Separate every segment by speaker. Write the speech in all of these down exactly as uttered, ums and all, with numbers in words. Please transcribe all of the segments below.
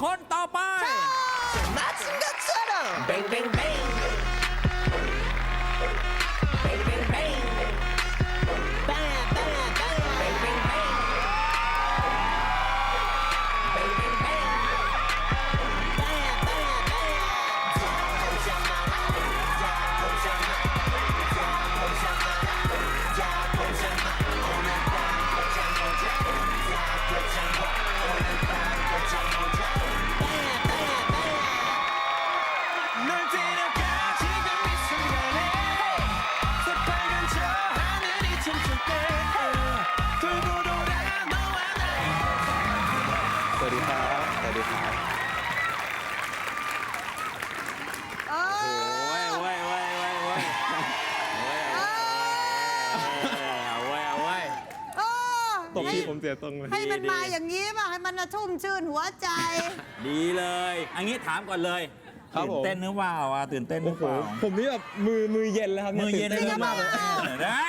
Speaker 1: คนต่อไป
Speaker 2: มาชิงกับเสือดำเบ่งเบ่งเบ่งเบ่งเบ่งเบ่งแบ่แบ่แบ่เบ่งเบ่งเบ่งเบ่งเบ่งเบ่งแบ่แบ่แบ่จากคนจะมาจากคนจะมาจากคนจะมาจากคนจะมาโอ้นั่นตาคนจะมาจากคนจะมาโอ้นั่นตาคนจะมาจากแบ่แบ่แบ่널데려가 지금 이 순간에 새빨간 저 하늘이 춤출 때 돌고 돌아 너와 나의
Speaker 3: สวัสดีครับสวัสดีครับ
Speaker 1: โอ้ยโอ้ยโอ้ยโอ้ยโอ้ยโอ้ยเอาไว้เอาไว้
Speaker 4: เออ
Speaker 3: ตบที่ผมเสียตรงเลย
Speaker 4: ให้มันมาอย่างนี้ป่ะให้มันชุ่มชื่นหัวใจ
Speaker 1: ดีเลยอันนี้ถามก่อนเลยตื่นเต้นหรือเปล่าอ่ะตื่นเต้นหรือเปล่า
Speaker 3: ผมนี่แบบมือมือเย็นแล้วครับ
Speaker 1: มือเย็น
Speaker 3: ตื่ต้มากเลย
Speaker 1: ได้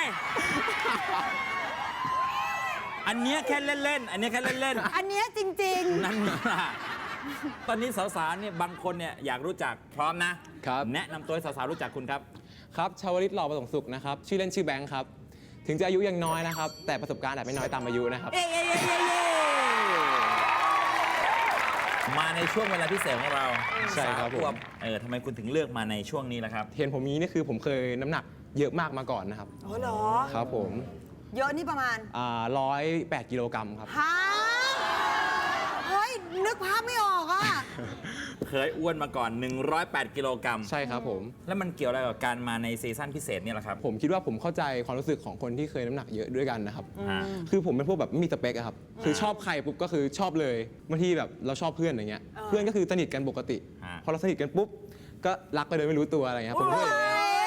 Speaker 1: อันเนี้ยแค่เล่นๆอันเนี้ยแค่เล่น
Speaker 4: อันเนี้ยจริง
Speaker 1: ๆนั่นล่ะตอนนี้สาวๆเนี่ยบางคนเนี่ยอยากรู้จักพร้อมนะครับ แนะนำตัวให้สาวๆรู้จักคุณครับ
Speaker 3: ครับชาวลิตหล่อประสงค์สุขนะครับชื่อเล่นชื่อแบงค์ครับถึงจะอายุยังน้อยนะครับแต่ประสบการณ์อาจไม่น้อยตามอายุนะครับ
Speaker 1: เย้เย้เย้เย้เย้มาในช่วงเวลาพิเศษของเรา
Speaker 3: ใช่ครับผม
Speaker 1: สามขวเออทำไมคุณถึงเลือกมาในช่วงนี้ล่ะครับ
Speaker 3: เห็นผมนี้นี่คือผมเคยน้ำหนักเยอะมากมาก่อนนะครับ
Speaker 4: ๆ อ๋อเหรอ
Speaker 3: ครับผม
Speaker 4: เยอะนี่ประมาณ
Speaker 3: อ่าร้อยแปดกิโลกรัมครับ
Speaker 4: ฮะเฮ้ย นึกภาพไม่ออกอ่ะ
Speaker 1: เคยอ้วนมาก่อน หนึ่งร้อยแปด กิโลกรัม
Speaker 3: ใช่ครับผม
Speaker 1: แล้วมันเกี่ยวอะไรกับการมาในซีซั่นพิเศษเนี่ยล่ะครับ
Speaker 3: ผมคิดว่าผมเข้าใจความรู้สึกของคนที่เคยน้ำหนักเยอะด้วยกันนะครับ
Speaker 1: อ่า
Speaker 3: คือผมเป็นพวกแบบไม่มีสเปคอะครับ คือชอบใครปุ๊บก็คือชอบเลยบางทีแบบเราชอบเพื่อนอย่างเงี้ย เพื่อนก็คือสนิทกันปกติ พอเราสนิทกันปุ๊บก็รักไปโดยไม่รู้ตัวอะไรเงี้ยผมก็เลย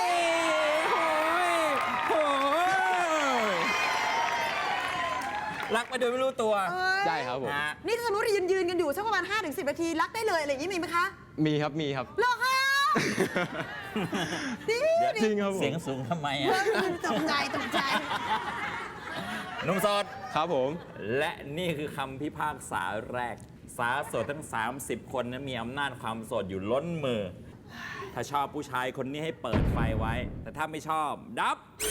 Speaker 1: รักไปโดยไม่รู้ตัว
Speaker 3: ใช่ครับผม
Speaker 1: ฮะ
Speaker 4: นี่ถ้าสมมติยืนยืนๆกันอยู่สักประมาณ ห้าถึงสิบ นาทีรักได้เลยอะไรอย่างนี้มีไหมคะ
Speaker 3: มีครับมีครับ
Speaker 4: เหรอคะดี
Speaker 3: จริงครับผม
Speaker 1: เสียงสูงทำไมอ่ะ
Speaker 4: ตกใจตกใจ
Speaker 1: หนุ่มโสด
Speaker 3: ครับผม
Speaker 1: และนี่คือคำพิพากษาแรก สาวโสดทั้ง สามสิบ คนนั้นมีอำนาจความโสดอยู่ล้นมือ ถ้าชอบผู้ชายคนนี้ให้เปิดไฟไว้ แต่ถ้าไม่ชอบ ดับไฟ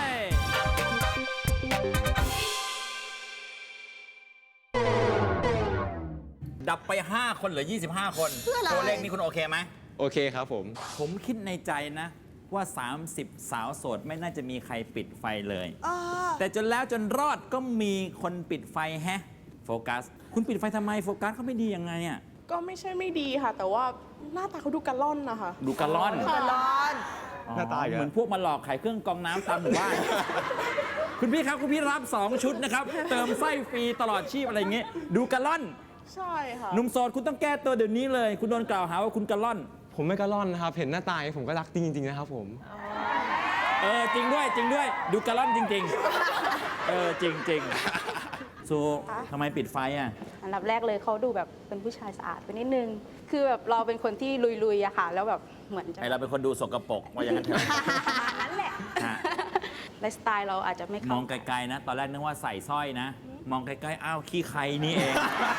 Speaker 1: ดับไป ห้า คนเหลือ ยี่สิบห้า คน
Speaker 4: เพื่ออะไร
Speaker 1: ตัวเลขนี้คุณโอเคไหม
Speaker 3: โอเคครับผม
Speaker 1: ผมคิดในใจนะว่า สามสิบ สาวโสดไม่น่าจะมีใครปิดไฟเลย
Speaker 4: เออ
Speaker 1: แต่จนแล้วจนรอดก็มีคนปิดไฟแฮะ โฟกัส คุณปิดไฟทำไมโฟกัสเขาไม่ดียังไงอ่ะ
Speaker 5: ก็ไม่ใช่ไม่ดีค่ะ แต่ว่าหน้าตาเขาดูกระล่อนนะคะ
Speaker 1: ดูกระล่อน
Speaker 4: กระลอน
Speaker 3: หน้าตาอีกแล้ว
Speaker 1: เหมือนพวกมาหลอกขายเครื่องกรองน้ำตามหมู่บ้าน คุณพี่ครับ คุณพี่รับ สอง ชุดนะครับ เติมไส้ฟรีตลอดชีพอะไรอย่างเงี้ยดูกระล่อน
Speaker 5: ใช่ค่ะ
Speaker 1: หนุ่มโสดคุณต้องแก้ตัวเดี๋ยวนี้เลย คุณโดนกล่าวหาว่าคุณกระล่อน
Speaker 3: ผมไม่กระล่อนนะครับ เห็นหน้าตาอย่างนี้ผมก็รักจริงๆนะครับผม
Speaker 1: เออจริงด้วยจริงด้วย ดูกระล่อนจริง ๆ เออจริงจริงๆซูทำไมปิดไฟอ่ะ
Speaker 6: อันดับแรกเลยเขาดูแบบเป็นผู้ชายสะอาดไปนิดนึง คือแบบเราเป็นคนที่ลุยๆอะค่ะ แล้วแบบเหมือนจะ
Speaker 1: ไอเราเป็นคนดูสกปรกว่าอย่างนั้นเถอะ
Speaker 6: นั่นแหละ
Speaker 1: ฮะ
Speaker 6: ไลฟ์สไตล์เราอาจจะไม่
Speaker 1: ม
Speaker 6: เข้า
Speaker 1: องไกลๆนะ ตอนแรกนึกว่าใส่สร้อยนะ มองไกลๆอ้าวขี้ใครนี่เอง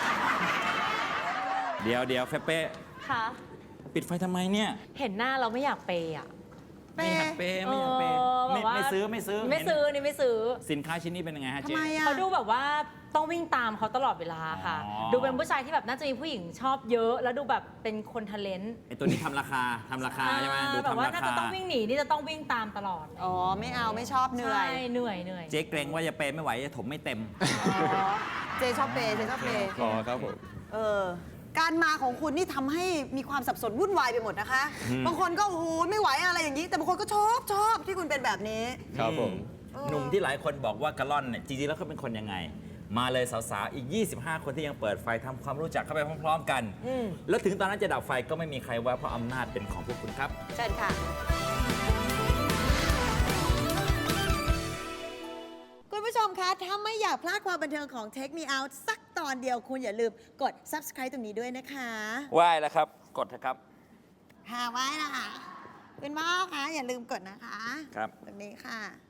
Speaker 1: เดี๋ยวเดี๋ยวเฟเป้
Speaker 7: ค่ะ
Speaker 1: ปิดไฟทำไมเนี่ย
Speaker 7: เห็นหน้าเราไม่อยากเปย์อ่ะ
Speaker 1: ไม่อยากเปย์ไม่อยากเปย์
Speaker 7: เออ
Speaker 1: ไม่
Speaker 7: แบบว่า
Speaker 1: ไม่ซื้อไม่ซื้อ
Speaker 7: ไม่ซื้อนี่ไม่ซื้อ
Speaker 1: สินค้าชิ้นนี้เป็นยังไงฮะ
Speaker 4: ทำ
Speaker 1: เจ๊
Speaker 4: ไมอ่ะ
Speaker 7: เขาดูแบบว่าต้องวิ่งตามเขาตลอดเวลาค่ะ
Speaker 1: อ๋อ
Speaker 7: ดูเป็นผู้ชายที่แบบน่าจะมีผู้หญิงชอบเยอะ แล้วดูแบบเป็นคนทะเลนต์
Speaker 1: ไอตัวนี้ทำราคาทำราคาใช่ไหมดู
Speaker 7: แบบ
Speaker 1: ทำ
Speaker 7: ว่า
Speaker 1: รา
Speaker 7: ถ้า
Speaker 1: คา
Speaker 7: จะต้องวิ่งหนีนี่จะต้องวิ่งตามตลอด
Speaker 4: อ๋อ ไม่เอาไม่ชอบเหนื่อย
Speaker 7: ใช่เหนื่อยเหนื่อย
Speaker 1: เจ๊เกรงว่าจะเปย์ไม่ไหวจะถมไม่เต็ม
Speaker 4: อ๋อ เจชอบเปย์เจชอบเปย์
Speaker 3: ขอครับผม
Speaker 4: เออ การมาของคุณนี่ทำให้มีความสับสนวุ่นวายไปหมดนะคะ บางคนก็โอ้โหไม่ไหวอะไรอย่างนี้ แต่บางคนก็ชอบชอบที่คุณเป็นแบบนี้
Speaker 3: ครับผม
Speaker 1: หนุ่มที่หลายคนบอกว่ากะล่อนเนี่ยจริงๆแล้วเขาเป็นคนยังไง มาเลยสาวๆ อีก ยี่สิบห้า คนที่ยังเปิดไฟทำความรู้จักเข้าไปพร้อมๆกัน แล้วถึงตอนนั้นจะดับไฟก็ไม่มีใครว่าเพราะอำนาจเป็นของพวกคุณครับ
Speaker 4: เชิญค่ะ คุณผู้ชมคะ ถ้าไม่อยากพลาดความบันเทิงของ Take Me Out สักตอนเดียวคุณอย่าลืมกด Subscribe ตรงนี้ด้วยนะคะ
Speaker 1: ไหว้แล้วครับ กดเถอะครับ
Speaker 4: ค่ะไว้นะคะคุณพ่อคะอย่าลืมกดนะคะ
Speaker 1: ครับ
Speaker 4: ตรงนี้ค่ะ